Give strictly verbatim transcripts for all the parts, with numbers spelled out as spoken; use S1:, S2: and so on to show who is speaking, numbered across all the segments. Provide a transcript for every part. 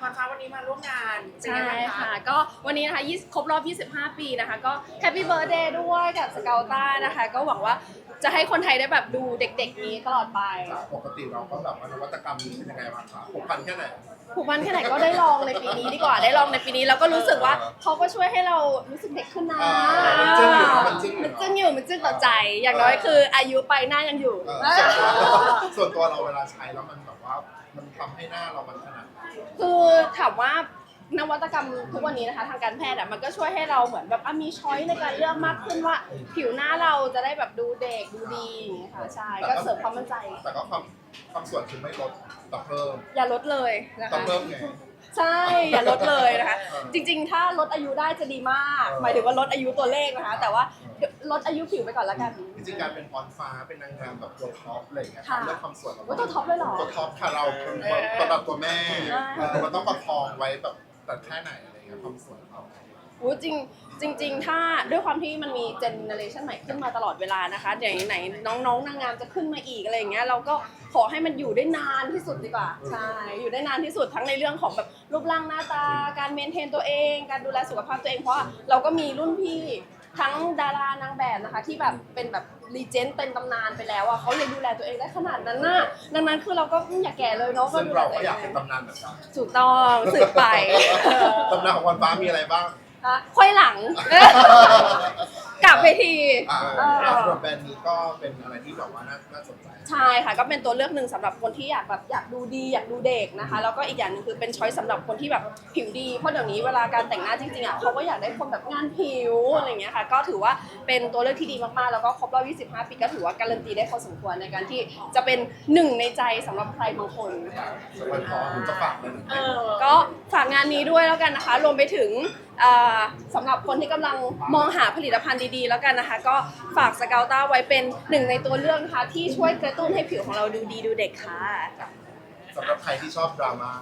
S1: อนฟ้าวันนี้มาร่วมงานเป็น
S2: ใช่
S1: ไงบ้าง
S2: ค่ะ
S1: คะ
S2: ก็วันนี้นะคะยี่สิบครบรอบ ยี่สิบห้า ปีนะคะ ก็แฮปปี้เบิร์ a เดย์ด้วยกับสเกลต้านะคะ ก็หวังว่าจะให้คนไทยได้แบบดูเด็กๆนี้ตลอดไป
S3: ปกติเราก็แบบว่านวัตกรรมนี้เป็นยังไงบ้างคะผูกพันแค่ไหน
S2: ผูกพันแค่ไหนก็ได้ลองในปีนี้ดีกว่าได้ลองในปีนี้แล้วก็รู้สึกว่าเขาก็ช่วยให้เรารู้สึกเด็กขึ้นนะ
S3: อ่ามันจึ้งอยู่มันจึ้งอยู่
S2: มันจึ้งอยู่มันจึ้งต่อใจ อย่างน้อยคืออายุไปหน้ายังอยู่
S3: เออส่วนตัวส่วนตัวเราเวลาใช้แล้วมันแบบว่ามันทำให้หน้าเรามันขนาดไหน
S2: คือถามว่านวัตกรรมทุกวันนี้นะคะทางการแพทย์อะมันก็ช่วยให้เราเหมือนแบบอ่ะมีช้อยในการเลือกมากขึ้นว่าผิวหน้าเราจะได้แบบดูเด็กดูดีอย่างเงี้ยค่ะใช่ก็เสริมความมั่นใจ
S3: แต่ก็ความความส่วนคือไม่ลดแต่เพิ่ม
S2: อย่าลดเลยนะ
S3: ต้อง
S2: คะ
S3: เพิ่มไง
S2: ใช่อย่าลดเลยนะคะ
S3: เออ
S2: จริงๆ ถ้าลดอายุได้จะดีมาก
S3: เออ
S2: หมายถึงว่าลดอายุตัวเลขนะคะ แต่ว่าลดอายุผิวไปก่อนละกัน
S3: จริงๆการเป็นพรฟ้าเป็นนางงามแบบตัวท็อปอะไรอย่างเงี้ย
S2: ค่ะ
S3: เรื่องความสวย
S2: ว่าตัวท็อปเลยเหรอ
S3: ตัวท็อปค่ะเราเป็นตัวแบบตัวแม่
S2: เออ
S3: เออมันต้องประคองไว้แบบแต่แค่ไหนอะไรเงี้ยความสวยของเรา
S2: อู้จริงจริง ๆ ถ้าด้วยความที่มันมีเจเนอเรชันใหม่ขึ้นมาตลอดเวลานะคะอย่างไหนน้องๆนางงามจะขึ้นมาอีกอะไรอย่างเงี้ยเราก็ขอให้มันอยู่ได้นานที่สุดดีกว่าใช่อยู่ได้นานที่สุดทั้งในเรื่องของแบบรูปร่างหน้าตาการเมนเทนตัวเอง การดูแลสุขภาพตัวเองเพราะว่าเราก็มีรุ่นพี่ทั้งดารานางแบบนะคะที่แบบเป็นแบบรีเจนต์เป็นตำนานไปแล้วอ่ะเขายังดูแลตัวเองได้ขนาดนั้นน่ะดังนั้นคือเราก็อย่าแก่เลยเนาะ
S3: ซึ่ง
S2: ดูแล
S3: เรา
S2: ตั
S3: ก็
S2: วเอ
S3: อยาก
S2: ง
S3: เป็นตำนานแบบนั้น
S2: ถูกต้องสืบไป
S3: ตำนานของพรฟ้ามีอะไรบ้าง
S2: อ่ะค่อยหลัง กลับไปที
S3: อ่า
S2: เออ
S3: สำหรับแบรนด์นี้ก็เป็นอะไรที่แบบว่าน่าน่าสนใจ
S2: ใช่ค่ะก็เป็นตัวเลือกหนึ่งสำหรับคนที่อยากแบบอยากดูดีอยากดูเด็กนะคะแล้วก็อีกอย่างหนึงคือเป็นช้อยสำหรับคนที่แบบผิวดีเพราะเดี๋ยวนี้เวลาการแต่งหน้าจริงๆอ่ะเขาก็อยากได้คนแบบงานผิวอะไรอย่างเงี้ยค่ะก็ถือว่าเป็นตัวเลือกที่ดีมากๆแล้วก็ครบรอบยี่สิบห้า ปีก็ถือว่าการันตีได้พอสมควรในการที่จะเป็นหนึ่งในใจสำหรับใครบางคน
S3: สวัสดีขอผมจะฝากเลยนะ
S1: เออ
S2: ก็ฝากงานนี้ด้วยแล้วกันนะคะ รวมไปถึงอ่าสำหรับคนที่กำลังมองหาผลิตภัณฑ์ดีๆ แล้วกันนะคะ ก็ฝากสเกลต้าไว้เป็นหนึ่งในตัวเลือกนะคะที่ช่วยกระตุ้นให้ผิวของเราดูดีดูเด็กค่ะ
S3: สำหรับใครที่ชอบดราม่า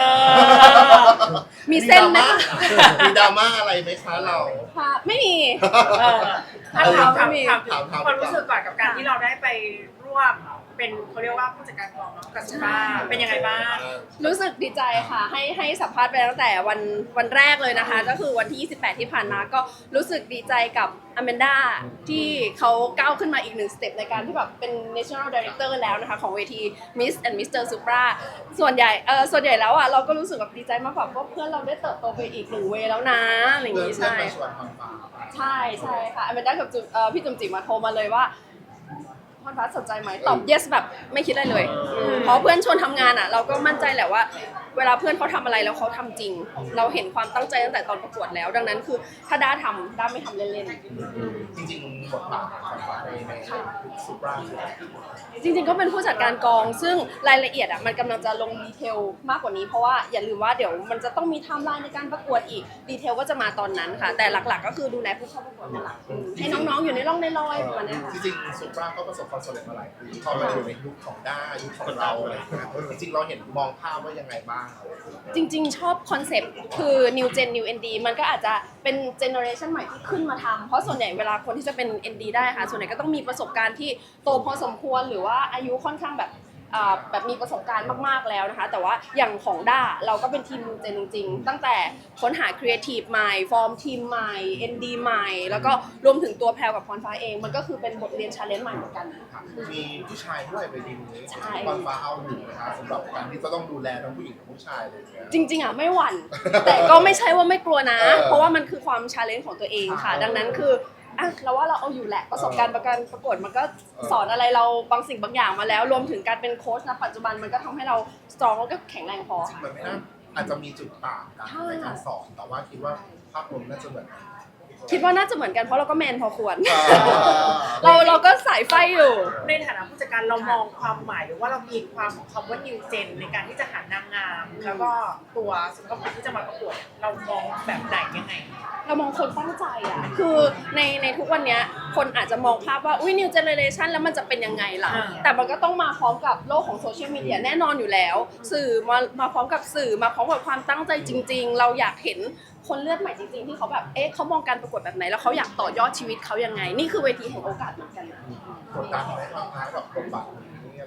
S2: มีเส้นไหมคะ
S3: มีดราม่าอะไรไหมคะเรา
S2: ค่ะไม่มี
S1: เออถามถามถาม
S2: ไม่มี
S1: ถาม
S3: ถามถาม
S1: ความรู้สึกก่อนกับการที่เราได้ไปร่วมเป็นเขาเรียกว่าผู้จัดการกองเนาะกับสุภาเป็นยังไงบ้าง
S2: รู้สึกดีใจค่ะให้ให้สัมภาษณ์ไปตั้งแต่วันวันแรกเลยนะคะ ก็คือวันที่ยี่สิบแปดที่ผ่านมาก็รู้สึกดีใจกับอแมนด้าที่เขาก้าวขึ้นมาอีกหนึ่งสเต็ปในการที่แบบเป็น national director แล้วนะคะของเวที Miss and มิสเตอร์ Supra ส่วนใหญ่เออส่วนใหญ่แล้วอ่ะเราก็รู้สึกแบบดีใจมากกว่าเพราะเพื่อนเราได้เติบโตไปอีกหนึ่งเวย์แล้วนะอะไรอย่าง
S3: เพื่อน
S2: งี้
S3: เพื่อน
S2: ใช่
S3: มาชวนพรฟ้า
S2: ใช่ใช่ค่ะอแมนด้ากับจุเอ่อพี่จุ๋มจิ๋มมาโทรมาเลยว่าพรฟ้าสนใจไหมตอบ yes แบบไม่คิดอะไรเลยอืมเพราะเพื่อนชวนทำงานอ่ะ เราก็มั่นใจแหละว่า เวลาเพื่อนเขาทำอะไรแล้วเขาทำจริง เราเห็นความตั้งใจตั้งแต่ตอนประกวดแล้ว ดังนั้นคือถ้าด้าทำด้าไม่ทำเล่น
S3: จริงๆบทบาทของพรฟ้าในในซูปรา
S2: ๆจริงๆก็เป็นผู้จัดการกอง ซึ่งรายละเอียดอ่ะมันกำลังจะลงดีเทลมากกว่านี้เพราะว่าอย่าลืมว่าเดี๋ยวมันจะต้องมีไทม์ไลน์ในการประกวดอีกดีเทลก็จะมาตอนนั้นค่ะ แต่หลักๆ ก็คือดูแลผู้เข้าประกวดเป็นหลักอืมให้น้องๆอยู่ในร่องในรอยประมาณเนี้ยค่ะ
S3: จริงๆซูปราก็ประสบความสำเร็จมาหลายปีพอมาอยู่ในยุคของด้ายุคของเราอะไรอย่างเงี้ยจริงๆเราเห็นมองภาพว่ายังไงบ้าง
S2: จริงๆ ชอบคอนเซปต์คือ new gen new เอ็น ดี มันก็อาจจะเป็นเจเนอเรชันใหม่ที่ขึ้นมาทำเพราะส่วนใหญ่เวลาคนที่จะเป็น เอ็น ดี ได้ค่ะ ส่วนใหญ่ก็ต้องมีประสบการณ์ที่โตพอสมควรหรือว่าอายุค่อนข้างแบบอ่าแบบมีประสบการณ์มากๆแล้วนะคะ แต่ว่าอย่างของด้าเราก็เป็นทีม new gen จริงๆ ตั้งแต่ค้นหาครีเอทีฟใหม่ฟอร์มทีมใหม่ เอ็น ดี ใหม่ แล้วก็รวมถึงตัวแพลกับพรฟ้าเองมันก็คือเป็นบทเรียนชาเลนจ์ใหม่เหมือนกัน
S3: มีผู้ชายด้วยไปทีมนี้
S2: ใช่
S3: พรฟ้าเอาอยู่นะคะสำหรับการที่จะต้องดูแลทั้งผู้หญิงและผู้ชายเลยเนี่ย
S2: จริงๆอ่ะไม่หวั่น แต่ก็ไม่ใช่ว่าไม่กลัวนะ
S3: เออ
S2: เพราะว่ามันคือความชาเลนจ์ของตัวเองค่ะ ดังนั้นคืออ่ะเราว่าเราเอาอยู่แหละประสบการณ์ประกันประกวดมันก็สอนอะไรเราบางสิ่งบางอย่างมาแล้ว รวมถึงการเป็นโค้ชณปัจจุบันมันก็ทำให้เราสตรองแล้วก็แข็งแรงพอ
S3: จริงมันไม่น่าอาจจะมีจุดต่างกันในการสอนแต่ว่าคิดว่าภาพรวมน่าจะเหมือนกัน
S2: คิดว่าน่าจะเหมือนกันเพราะเราก็แมนพอควร
S3: อ่า
S2: เราเราก็สายไฟอยู่
S1: ในฐานะผู้จัดการเรามองความหมายหรือว่าเรามีความของคำว่า new gen ในการที่จะหานางงาม แล้วก็ตัวสุขภาพที่จะมาประกวดเรามองแบบไหนยังไง
S2: เรามองคนตั้งใจอ่ะ คือในในทุกวันเนี้ยคนอาจจะมองภาพว่า อุ้ย new generation แล้วมันจะเป็นยังไงล่ะ
S1: อ่า
S2: แต่มันก็ต้องมาพร้อมกับโลกของโซเชียลมีเดียแน่นอนอยู่แล้ว สื่อมามาพร้อมกับสื่อมาพร้อมกับความตั้งใจจริง ๆ เราอยากเห็นคนเลือดใหม่จริง ๆ ที่เขาแบบ เอ๊ะเขามองการประกวดแบบไหน แล้วเขาอยากต่อยอดชีวิตเขายังไง นี่คือเวทีแห่งโอกาสเหมือนกันนะ
S3: กดดันไหมบางครั้งกับบทบาทนี้อะไร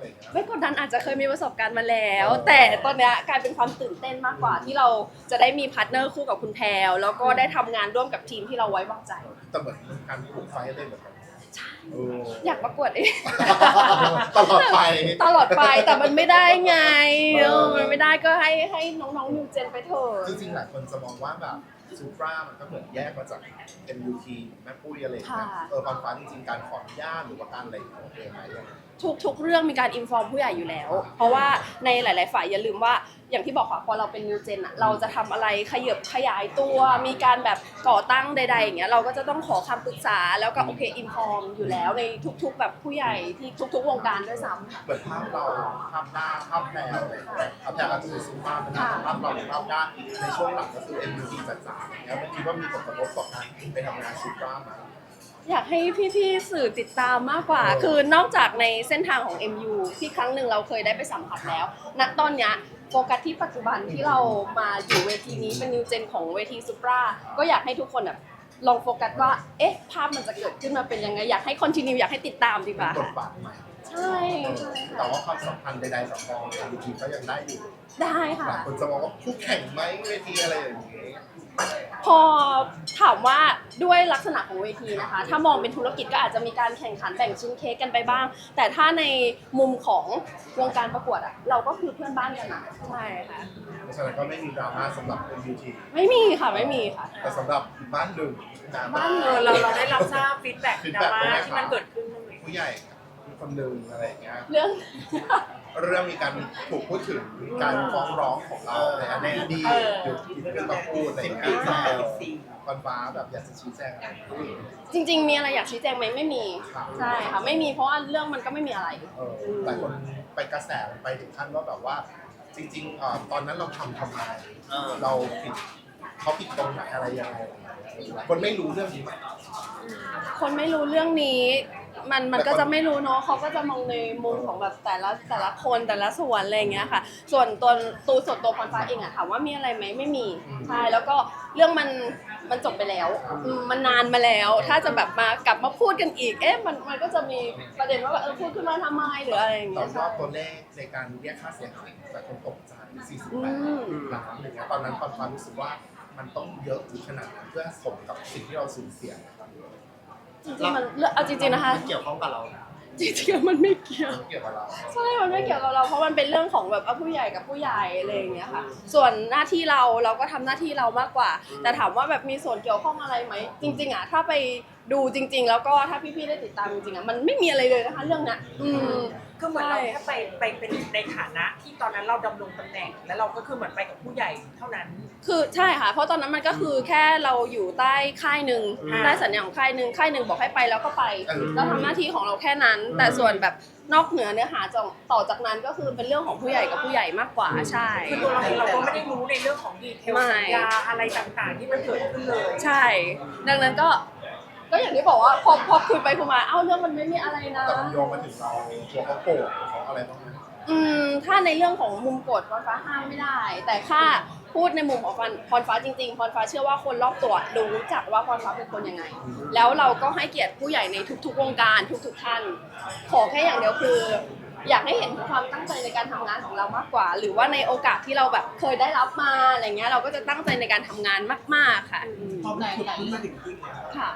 S3: อะไรอย่างเงี้ย
S2: ไม่กดดันอาจจะเคยมีประสบการณ์มาแล้ว แต่ตอนเนี้ยกลายเป็นความตื่นเต้นมากกว่าที่เราจะได้มีพาร์ทเนอร์คู่กับคุณแพรวแล้วก็ได้ทำงานร่วมกับทีมที่เราไว้วางใจ
S3: แต่เหมือนการปลูกไฟให้ได้เหมือนกันเออ
S2: อยากประกวดเอง
S3: ตลอดไป
S2: ตลอดไปแต่มันไม่ได้ไงเออมันไม่ได้ก็ให้ให้น้องๆนิวเจนไปเถอะ
S3: จริงๆหลายคนจะมองว่าแบบซูปรามันก็เหมือนแยกมาจาก เอ็ม ยู ที แม่ปุ้ยอะไรอย่างเงี้ยเออความฟ้าจริงๆการขออนุญาตหรือว่าการอะไรของเองไหม
S2: ทุกทุกเรื่องมีการอินฟอร์มผู้ใหญ่อยู่แล้ว เพราะว่าในหลาย ๆ ฝ่ายอย่าลืมว่าอย่างที่บอกค่ะพอเราเป็นนิวเจนอะเราจะทำอะไรขยับขยายตัว มีการแบบก่อตั้งใด ๆ อย่างเงี้ยเราก็จะต้องขอคำปรึกษาแล้วก็โอเคอินฟอร์มอยู่แล้วในทุก ๆ แบบผู้ใหญ่ที่ทุก ๆ วงการด้วยซ้ำค่ะ
S3: เหมือนภาพเราภาพหน้าภาพแพรวอะไรอย่างเงี้ยภาพแพรวอาจจะเป็นซูปราเป็นภาพเราภาพหน้าในช่วงหลังก็คือ เอ็ม ยู ที จ๋าๆอย่างเงี้ยมันคิดว่ามีผลกระทบต่อการไปทำงานซูปราไหม
S2: อยากให้พี่ๆสื่อติดตามมากกว่า คือนอกจากในเส้นทางของ เอ็ม ยู ที่ครั้งหนึ่งเราเคยได้ไปสัมผัสแล้ว ณ ตอนเนี้ยโฟกัสที่ปัจจุบันที่เรามาอยู่เวทีนี้เป็นนิวเจนของเวทีซูปราก็อยากให้ทุกคนแบบลองโฟกัสว่า เอ๊ะ ภาพมันจะเกิดขึ้นมาเป็นยังไง อยากให้คอนติเนียอยากให้ติดตามดีกว่า
S3: บทบาทใหม่
S2: ใช่ใช่
S3: แต่
S2: ค่ะ
S3: ว่าความสัมพันธ์ใดๆสองกอง เอ็ม ยู ที ก็ยังได้อยู่
S2: ได้ค่ะ
S3: หลายคนจะมองว่าคู่แข่งไหมเวทีอะไรอย่างเงี้ย
S2: พอถามว่าด้วยลักษณะของเวทีนะคะ ถ้ามองเป็นธุรกิจก็อาจจะมีการแข่งขันแบ่งชิ้นเค้กกันไปบ้าง แต่ถ้าในมุมของวงการประกวดอะเราก็คือเพื่อนบ้านกันนะใช่ค่ะ
S3: เพราะฉะนั้นก็ไม่มีดราม่าสำหรับ เอ็ม ยู ที
S2: ไม่มีค่ะไม่มีค่ะ
S3: แต่สำหรับอีกบ้านหนึ่งดราม่า
S2: บ้านห
S1: เอ
S2: นึ่
S1: อง เราเราได้รับทราบฟีดแบ็กดราม่าที่มันเกิดขึ้นบ้างไหม
S3: ผู้ใหญ่คนหนึ่งอะไรอย่างเงี้ย
S2: เรื่อง
S3: เรื่องมีการถูกพูดถึงการฟ้องร้องของเราในในอดีตหยุดหยิบขึ้นมาพูดอะไรอย่างเงี้ยฟันฟ้าแบบอยากจะชี้แจงอะไร
S2: จริง ๆ มีอะไรอยากชี้แจงไหมไม่มีใช่ค่ะไม่มีเพราะว่าเรื่องมันก็ไม่มีอะไร
S3: เออหลายคนไปกระแสไปถึงขั้นว่าแบบว่า จริงๆเอ่อตอนนั้นเราทำทำไมเราผิดเขาผิดตรงไหนอะไรยังไงคนไม่รู้เรื่องนี้ไหม
S2: คนไม่รู้เรื่องนี้มันมันก็จะไม่รู้เนาะเขาก็จะมองในมุมของแบบแต่ละแต่ละคนแต่ละส่วนอะไรอย่างเงี้ยค่ะ ส่วนตัวตัวส่วนตัวพรฟ้าเองอะถามว่ามีอะไรไหมไม่มีใช่แล้วก็เรื่องมันมันจบไปแล้วอืมมันนานมาแล้ว ถ้าจะแบบมากลับมาพูดกันอีกเอ๊ะมันมันก็จะมีประเด็นว่าแบบเออพูดขึ้นมาทำไมหรืออะไรอย่าง
S3: แต่
S2: เงี้ย
S3: ว่า
S2: ใช่
S3: ตัวเลขในการเรียกค่าเสียหายแต่คนตกใจสี่สิบ
S2: อื
S3: แปด
S2: ม
S3: ล้านอะไรเงี้ยตอนนั้นความรู้สึกว่ามันต้องเยอะถึงขนาดนั้นเพื่อสมกับสิ่งที่เราสูญเสียนะครับ
S2: จริงๆมันเรื่องเอาจริงๆนะคะ
S3: มันเกี่ยวข้องกับเรา
S2: จริงๆแล้วมันไม่เกี่ยว
S3: มันเกี่ยวกับเรา
S2: ใช่ มันไม่เกี่ยวกับเราเพราะมันเป็นเรื่องของแบบเอาผู้ใหญ่กับผู้ใหญ่อะไรอย่างเงี้ยค่ะ ส่วนหน้าที่เราเราก็ทำหน้าที่เรามากกว่า แต่ถามว่าแบบมีส่วนเกี่ยวข้องอะไรไหม จริงๆอ่ะถ้าไปดูจริง ๆ แล้วก็ถ้าพี่ๆได้ติดตามจริงๆอ่ะมันไม่มีอะไรเลยนะคะเรื่องเนี้ยอืม
S1: คือเหมือนเราแค่ไปไปเป็นในฐานะที่ตอนนั้นเราดำรงตำแหน่ง แล้วเราก็คือเหมือนไปกับผู้ใหญ่เท่านั้น
S2: คือใช่ค่ะ เพราะตอนนั้นมันก็คือแค่เราอยู่ใต้ค่ายหนึ่ง
S1: อ่า
S2: ได้สัญญาของค่ายหนึ่งค่ายหนึ่งบอกให้ไปแล้วก็ไป เราทำหน้าที่ของเราแค่นั้น แต่ส่วนแบบนอกเหนือเนื้อหาจากต่อจากนั้นก็คือเป็นเรื่องของผู้ใหญ่กับผู้ใหญ่มากกว่าใช่
S1: คือตัวเราเองเราก็ไม่ได้รู้ในเรื่องของดีเทลสัญญาอะไรต่างๆ ที่มันเกิดขึ้นเลย
S2: ใช่ ดังนั้นก็ ก็อย่างที่บอกว่าพอพอคุยไปคุยมา เอ้าเรื่องมันไม่มีอะไรนะ
S3: แต่มันโยงมาถึงเราตัวเขาโกรธเขาอะไรบ้างไหม
S2: อืม ถ้าในเรื่องของมุมกฎพรฟ้าห้ามไม่ได้ แต่ถ้าพูดในมุมของพรฟ้าจริงๆ พรฟ้าเชื่อว่าคนรอบตัวรู้จักว่าพรฟ้าเป็นคนยังไง แล้วเราก็ให้เกียรติผู้ใหญ่ในทุกๆวงการทุกๆท่าน ขอแค่อย่างเดียวคือ อยากให้เห็นถึงความตั้งใจในการทำงานของเรามากกว่า หรือว่าในโอกาสที่เราแบบเคยได้รับมาอะไรเงี้ยเราก็จะตั้งใจในการทำงานมากๆค่ะอืม
S4: พอมันถูกพูดมาถึงที่แล้ว
S2: ค่ะ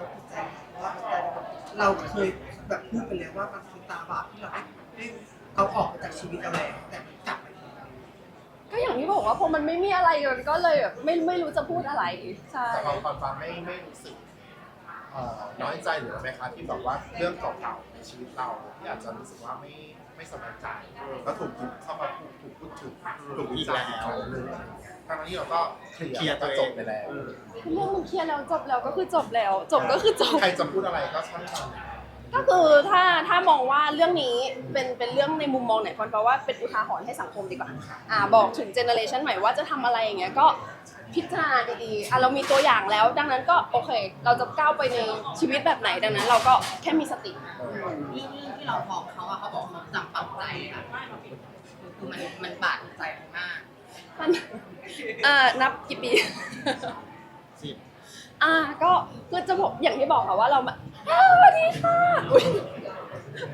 S4: เราเคยแบบพูดไปแล้วว่ามันคือตาบาปที่เราได้ได้เอาออกมาจากชีวิตเราแล้วแต่มันกลับมาอีก
S2: ก็อย่างที่บอกว่าพอมันไม่มีอะไรมันก็เลยแบบไม่ไม่รู้จะพูดอะไรใช่
S3: แต่ความความฟ้าไม่ไม่รู้สึกเอ่อน้อยใจหรืออะไรไหมคะที่แบบว่าเรื่องเก่าๆในชีวิตเราที่อาจจะรู้สึกว่าไม่ไม่สบายใจแล้วถูกหยิบเข้ามาพูดถูกพูดถึงถูกวิจารณ์อีกครั้งหนึ่งอะไรอย่างเงี้ยทั้งที่เราก็เคลีย
S5: เคลียร์
S3: ร์
S5: ตัวเอง
S3: จบไปแล้ว
S2: เรื่องมันเคลียร์แล้วจบแล้วก็คือจบแล้ว จบก็คือจบ
S3: ใครจะพูดอะไรก็ช่างมัน
S2: ก็คือถ้าถ้ามองว่าเรื่องนี้เป็นเป็นเรื่องในมุมมองไหนคนแปลว่าเป็นอุทาหรณ์ให้สังคมดีกว่าอ่าบอกถึงเจเนอเรชันใหม่ว่าจะทำอะไรอย่างเงี้ยก็พิจารณาดีๆอ่ะเรามีตัวอย่างแล้ว ดังนั้นก็โอเค เราจะก้าวไปในชีวิตแบบไหนดังนั้น เราก็แค่มีสติ
S6: เรื่องเรื่องที่เราบอกเขาอะเขาบอกเขาจำปักใจค่ะคือมันมันบาดใจเขามาก
S2: มันเอ่อนับกี่ปี
S5: สิบ
S2: อ่าก็คือจะบอกอย่างที่บอกค่ะว่าเรามาอ้าวสวัสดีค่ะอุ๊ย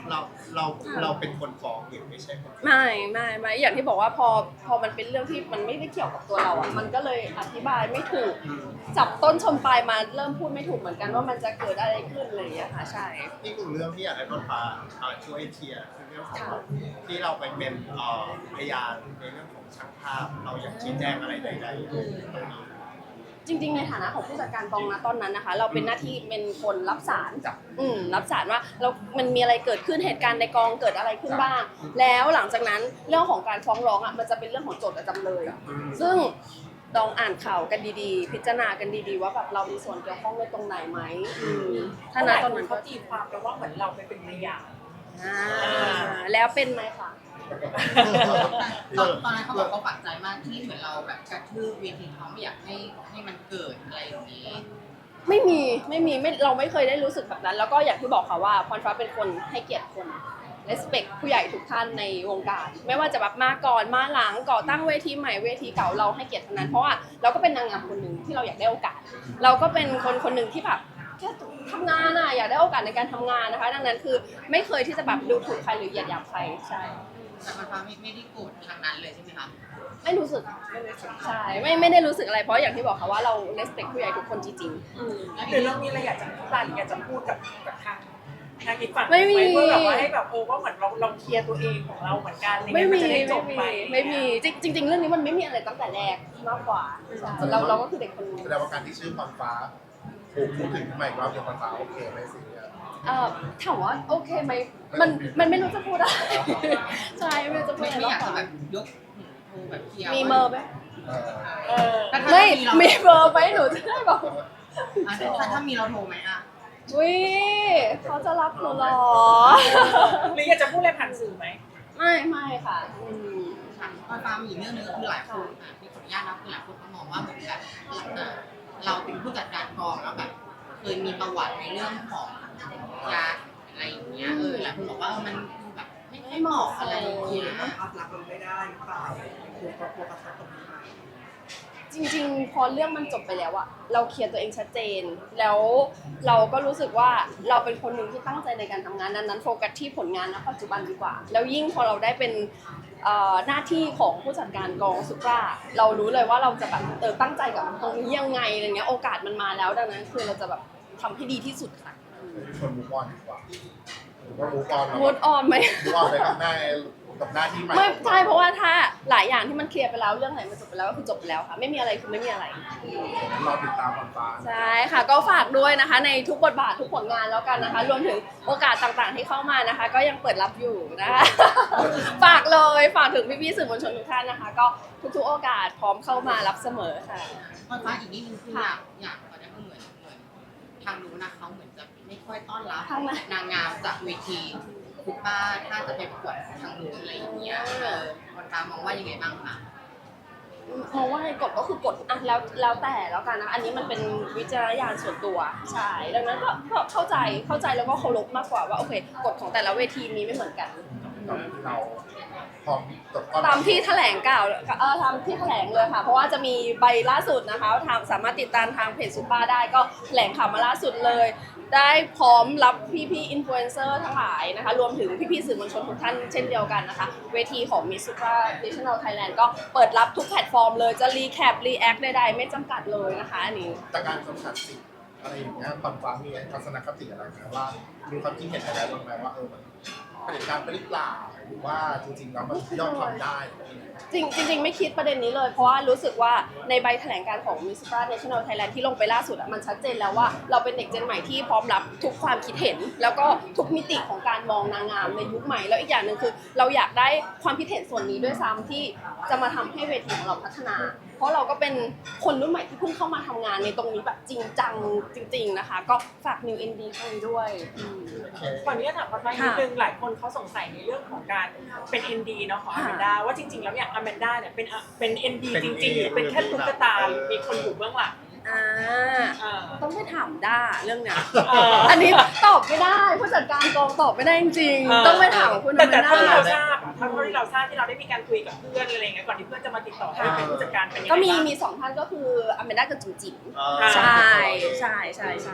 S5: เราเราเราเป็นคนฟ้องหรือไม่ใช่คนฟ้อง
S2: ไม่ไม่ไม่อย่างที่บอกว่าพอพอมันเป็นเรื่องที่มันไม่ได้เกี่ยวกับตัวเราอ่ะมันก็เลยอธิบายไม่ถูกจับต้นชนปลายมาเริ่มพูดไม่ถูกเหมือนกันว่ามันจะเกิดอะไรขึ้นอะไรอย่างเงี้ยค่ะใช่
S5: อีกหนึ่งเรื่องที่อยากให้ต้นฟ้าเอ่อช่วยเคลียร์คือเรื่องของแบบที่เราไปเป็นเอ่อพยานในเรื่องของช่างภาพเราอยากชี้แจงอะไรใดๆตรงนี้
S2: จริงๆในฐานะของผู้จัดการกองนะตอนนั้นนะคะ เราเป็นหน้าที่เป็นคนรับสาร
S3: จับ
S2: อืมรับสารว่าเรามันมีอะไรเกิดขึ้นเหตุการณ์ในกองเกิดอะไรขึ้นบ้าง แล้วหลังจากนั้นเรื่องของการฟ้องร้องอ่ะมันจะเป็นเรื่องของโจทย์กับจำเลย ซึ่งลองอ่านข่าวกันดีๆ พิจารณากันดีๆว่าแบบเรามีส่วนเกี่ยวข้องในตรงไหนไหมอืม
S1: ถ้า
S2: ถ้า
S1: ห
S2: ณ
S1: ลาย
S2: ต
S1: ค
S2: อน
S1: น
S2: นั้น
S1: เขาตีความแปลว่าเหมือนเราไปเป็นพยาน
S2: อ่าแล้วเป็นไหมคะ
S6: ตอนตอนนั้นเขาบอกเขาปักใจมากที่เหมือนเราแบบกระทืบเวทีเขาไม่อยากให้ให้มันเกิดอะไรอย่างนี้
S2: ไม่มีไม่มีไม่เราไม่เคยได้รู้สึกแบบนั้น แล้วก็อย่างที่บอกค่ะว่าพรฟ้าเป็นคนให้เกียรติคน respect ผู้ใหญ่ทุกท่านในวงการ ไม่ว่าจะแบบมาก่อนมาหลังก่อตั้งเวทีใหม่เวทีเก่าเราให้เกียรติทั้งนั้นเพราะว่าเราก็เป็นนางงามคนหนึ่งที่เราอยากได้โอกาส เราก็เป็นคนคนหนึ่งที่แบบแค่ทำงานอะอยากได้โอกาสในการทำงานนะคะ ดังนั้นคือไม่เคยที่จะแบบดูถูกใครหรือเหยียดหยามใครใช่
S6: แต่มันฟ้าไม่ไม่ได้โกรธทางนั้นเลยใช่ไหมคะ
S2: ไม่รู้สึกไม่รู้สึกใช่ไม่ไม่ได้รู้สึกอะไรเพราะอย่างที่บอกค่ะว่าเรา respect ผู้ใหญ่ทุกคนจริงๆ
S1: หรือเรามีอะไรอยากจะพูดอะไรอยากจะพูดกับกับทางทางอีกฝั่ง
S2: ไม่มี
S1: เพื่อแบบว่าให้แบบเออว่าเหมือนเราเราเคลียร์ตัวเองของเราเหมือนกันอะร
S2: ไม่
S1: เงี้ย
S2: มี
S1: นจะได้จ
S2: ไม่
S1: บ
S2: มี
S1: ไป
S2: ไม่มีจริงจริง ๆ เรื่องนี้มันไม่มีอะไรตั้งแต่แรกมากกว่าใช่เราเราก็คือเด็กคนนึง
S3: แสดงว่าการที่ชื่อพรฟ้าถูกพูดถึงใหม่ว่าเป็นพรฟ้าโอเคไหมสิเนี่ย
S2: เอ่อถามว่าโอเคไหมมันมันไม่รู้จะพูดอะไรใช่ไม่รู้จะพูด
S6: ไม่
S2: อะไร
S6: ไม่อยาก
S2: มากก
S6: จะ
S2: ว่า
S6: แบบยกหูโทรแบบเคลียร์
S2: มีเมอร์ไหม
S3: เออ
S1: เออ
S6: ถ้าถ้า
S2: ไม่
S6: เรา
S2: มีเมอร์ไหมหนูจะได้บอก
S6: อ่ะถ้าถ้ามีเราโทรไหมอ่ะ
S2: วิเขาจะรับหนูเหรอ
S1: หรืออยากจะพูดอะไรผ่านสื่อไหม
S2: ไม่ไม่ค่ะอืม
S6: ค่ะตอนฟ้ามีอีกเรื่องหนึงก็คือหลายคนอ่ะที่ขออนุญาตนะคือหลายคนเขามองว่าเหมือนแบบเอ่อเราเป็นผู้จัดการกองแล้วแบบเคยมีประวัติในเรื่องของยาอะไรอย่างเงี้ยเออหลายคนบอกว่าเออมันแบบไม่ไม่เหมาะอะไรอย่างเงี้ย
S4: ภาพลักษณ์มันไม่ได้หรือเปล่ากลัวกลัวกระทบตรงนี้ไหม
S2: จริงๆ พอเรื่องมันจบไปแล้วอะเราเคลียร์ตัวเองชัดเจน แล้วเราก็รู้สึกว่าเราเป็นคนหนึ่งที่ตั้งใจในการทำงานนั้นๆโฟกัสที่ผลงานณปัจจุบันดีกว่า แล้วยิ่งพอเราได้เป็นเอ่อหน้าที่ของผู้จัดการกองซุปราเรารู้เลยว่าเราจะแบบเออตั้งใจกับตรงนี้ยังไงอะไรเงี้ยโอกาสมันมาแล้วดังนั้นคือเราจะแบบทำให้ดีที่สุดค่ะ
S3: ชวนมูฟออนดีกว่าหรือว่ามูฟออน
S2: มูดออนไหม
S3: มูฟออนไปกับหน้ากับหน้าที่ใหม่
S2: ไม่ใช่เพราะว่าถ้าหลายอย่างที่มันเคลียร์ไปแล้วเรื่องไหนมันจบไปแล้วก็คือจบไปแล้วค่ะไม่มีอะไรคือไม่มีอะไร
S3: รอติดตามพรฟ้า
S2: ใช่ค่ะก็ฝากด้วยนะคะในทุกบทบาททุกผลงานแล้วกันนะคะ รวมถึงโอกาสต่างๆที่เข้ามานะคะ ก็ยังเปิดรับอยู่นะคะ ฝากเลยฝากถึงพี่ๆสื่อมวลชนทุกท่านนะคะ ก็ทุกๆโอกาสพร้อมเข้ามารับเสมอค่ะ
S6: ตอนฟ้าอีกนิดนึงคืออยากอยากตอนนี้ก็เหมือนเหมือนทางนู้นนะเขาเหมือนจะไม่ค่อยต้อนรับ
S2: ทางไหน
S6: นางงามจากเวทีคุณป้าถ้าจะไปประกวดทางนู้นอะไรอย่างเงี้ยเออคนตามองว่ายังไงบ้างคะ
S2: มองว่าให้กฎก็คือกฎอ่ะแล้วแล้วแต่แล้วกันนะคะอันนี้มันเป็นวิจารณญาณส่วนตัวใช่ดังนั้นก็ก็เข้าใจเข้าใจแล้วก็เคารพมากกว่าว่าโอเคกฎของแต่ละเวทีมีไม่เหมือนกัน
S3: เราพร้อมตกก้อน
S2: ตามที่แถลงกล่าวเออทำที่แถลงเลยค่ะ เพราะว่าจะมีใบล่าสุดนะคะทางสามารถติดตามทางเพจซุปเปอร์ได้ก็แถลงข่าวมาล่าสุดเลย ได้พร้อมรับพี่ๆอินฟลูเอนเซอร์ทั้งหลายนะคะ รวมถึงพี่ๆสื่อมวลชนทุกท่านเช่นเดียวกันนะคะ เวทีของ Miss Supra National Thailand ก็เปิดรับทุกแพลตฟอร์มเลยจะรีแคปรีแอคใดๆไม่จำกัดเลยนะคะอันนี้
S3: แต่การจำกัดสิทธิ์อะไรอย่างเงี้ยพรฟ้ามีทัศนคติอะไรไหมว่ามีความคิดเห็นอะไรบ้างไหมว่าเออมันเผด็จการไปหรือเปล่าหรือว่าจริงๆแล้วมันย่อมทำได้
S2: จริงจริงๆไม่คิดประเด็นนี้เลยเพราะว่ารู้สึกว่าในใบแถลงการของ Miss Supra National Thailand ที่ลงไปล่าสุดอะมันชัดเจนแล้วว่าเราเป็นเด็กเจนใหม่ที่พร้อมรับทุกความคิดเห็น แล้วก็ทุกมิติของการมองนางงามในยุคใหม่แล้วอีกอย่างหนึ่งคือ เราอยากได้ความคิดเห็นส่วนนี้ด้วยซ้ำที่จะมาทำให้เวทีของเราพัฒนา เพราะเราก็เป็นคนรุ่นใหม่ที่เพิ่งเข้ามาทำงานในตรงนี้แบบจริงจังจริง ๆนะคะ ก็ฝาก New เอ็น ดี ครั้งนี้ด้วยอืม
S1: ก่อนนี้จะถามพรฟ้านิดนึงหลายคนเขาสงสัยในเรื่องของการเป็น เอ็น ดี เนาะของอ
S2: ค่ะ
S1: แมนดาว่าจริงๆแล้วเนี่ยอแมนดาเนี่ยเป็นเป็น เอ็น ดี
S5: เป็น
S1: จริงๆหรือเป็นแค่ตุ๊กตาหรือมีคนอยู่เบื้องหลัง
S2: อ่า
S1: อ่า
S2: ต้องไปถามด้าเรื่องเนี้ย
S1: เออ
S2: อันนี้ตอบไม่ได้ผู้จัดการกองตอบไม่ได้จริงๆต้องไปถามคุณ
S1: แต่
S2: อ
S1: แต่
S2: แมน
S1: เท่าที่
S2: ด้า
S1: เราทราบอะเท่าที่เราทราบที่เราได้มีการคุยกับเพื่อนอะไรเงี้ยก่อนที่เพื่อนจะมาติดต่อให้เป็นผู้จัดการเป็นยังไง
S2: ก็มี
S1: บ้าง
S2: มีสองท่านก็คืออแมนด้ากับจุ๋มจิ๋ม
S5: เอ่อ
S2: ใช่ใช่ใช่ใช่
S3: แล้วมัน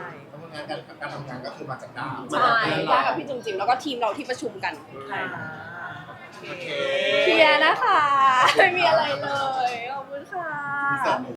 S3: งานการการทำงานก็คือมาจากดาว
S2: ใช่ได้กับพี่จุ๋มจิ๋มแล้วก็ทีมเราที่ประชุมกัน
S1: อ่า
S3: โอเค
S2: เคลียร์นะคะ ไม่มีอะไรเลย ขอบคุณค่ะ
S3: มีเสริม